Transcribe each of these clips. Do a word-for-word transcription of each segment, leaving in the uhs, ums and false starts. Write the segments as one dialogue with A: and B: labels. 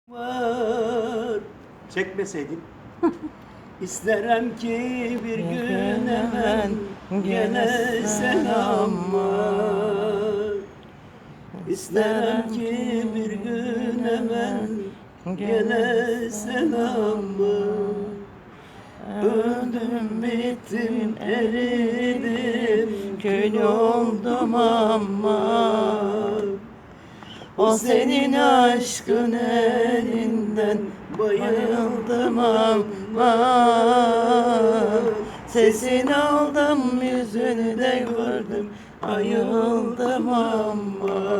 A: Var çekmeseydim İsterim ki bir gün hemen gene selam var. İsterim ki bir gün hemen gene selam var. Öldüm bittim eridim kül oldum ama o senin aşkın elinden bayıldım ama sesini aldım yüzünü de gördüm ayıldım ama.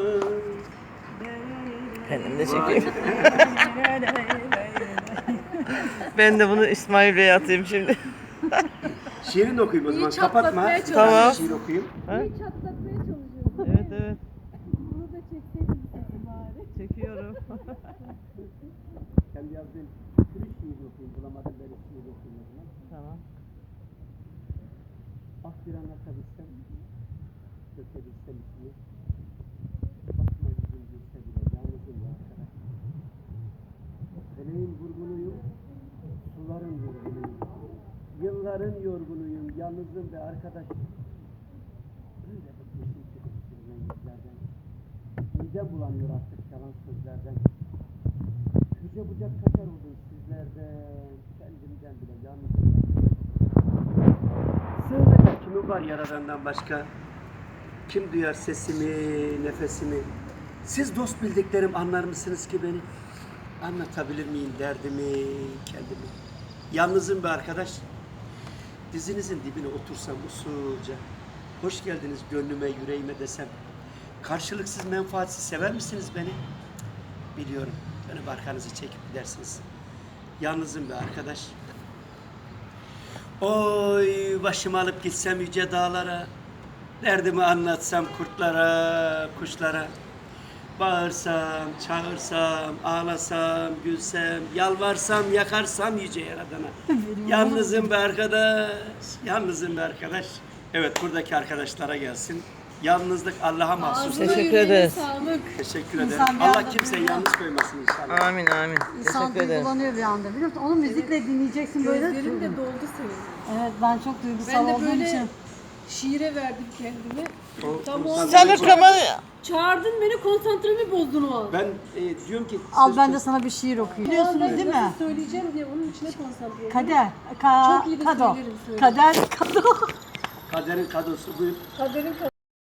B: Kendim de çekeyim. Ben de bunu İsmail Bey'e atayım şimdi.
A: Şiirini okuyayım o zaman, kapatma.
B: Tamam.
A: Şiir okuyayım.
C: İyi çatlatmaya çalışıyorsun.
B: Evet evet.
C: Bunu da çekseydin sesi bari.
B: Çekiyorum.
A: Kendi yazdığım bir şiir okuyayım, bulamadım böyle şiir okuyayım o zaman.
B: Tamam.
A: Ah bir anlatabilsem, dökebilsem içini. Bakma yüzüm gülse bile, yalnızım ya arkadaş. Feleğin vurgunuyum, suların yorgunuyum. Yılların yorgunuyum, yalnızım ve arkadaş. Öyle bıkmışım ki bıkmışım yüzlerden. Midem bulanıyor artık yalan sözlerden. Yüce bucak kaçar oldum sizlerden. Kendimden bile yalnızım. Sığınacak kimi var yaradandan başka? Kim duyar sesimi, nefesimi? Siz dost bildiklerim anlar mısınız ki beni? Anlatabilir miyim derdimi, kendimi? Yalnızım be arkadaş. Dizinizin dibine otursam usulca. Hoş geldiniz gönlüme, yüreğime desem. Karşılıksız menfaatsiz sever misiniz beni? Biliyorum. Dönüp arkanızı çekip gidersiniz. Yalnızım be arkadaş. Oy başımı alıp gitsem yüce dağlara. Derdimi anlatsam kurtlara, kuşlara. Bağırsam, çağırsam, ağlasam, gülsem, yalvarsam, yakarsam yüce yaradana. Yalnızım be arkadaş, yalnızım be arkadaş. Evet, buradaki arkadaşlara gelsin. Yalnızlık Allah'a mahsus.
B: Teşekkür ederiz.
C: Sağlık.
A: Teşekkür ederim.
D: İnsan bir
A: Allah
D: anda
A: kimseyi
D: biliyor.
A: yalnız koymasın inşallah.
B: Amin amin.
D: İnsan
B: Teşekkür ederim.
D: duygulanıyor bir anda biliyor musun? Onu müzikle dinleyeceksin böyle.
C: Gözlerim de doldu senin.
D: Evet ben çok duygusal
C: Ben de
D: olduğum
C: böyle
D: için.
C: şiire verdim kendimi.
A: O-
C: Tam
A: o-
C: o an-
B: Çalır kamerayı.
C: Çağırdın beni, konsantremi bozdun o an.
A: Ben e, diyorum ki...
D: Al
A: siz
D: ben
A: çok-
D: de sana bir şiir okuyayım.
C: O an
D: Biliyorsunuz
C: ben
D: değil
C: nasıl
D: mi?
C: söyleyeceğim diye onun içine konsantre oldum.
D: Kader. Ka
C: Çok iyi de
D: kado.
C: söylerim, söylerim.
D: Kader kado.
A: Kaderin kadosu buyur.
C: Kaderin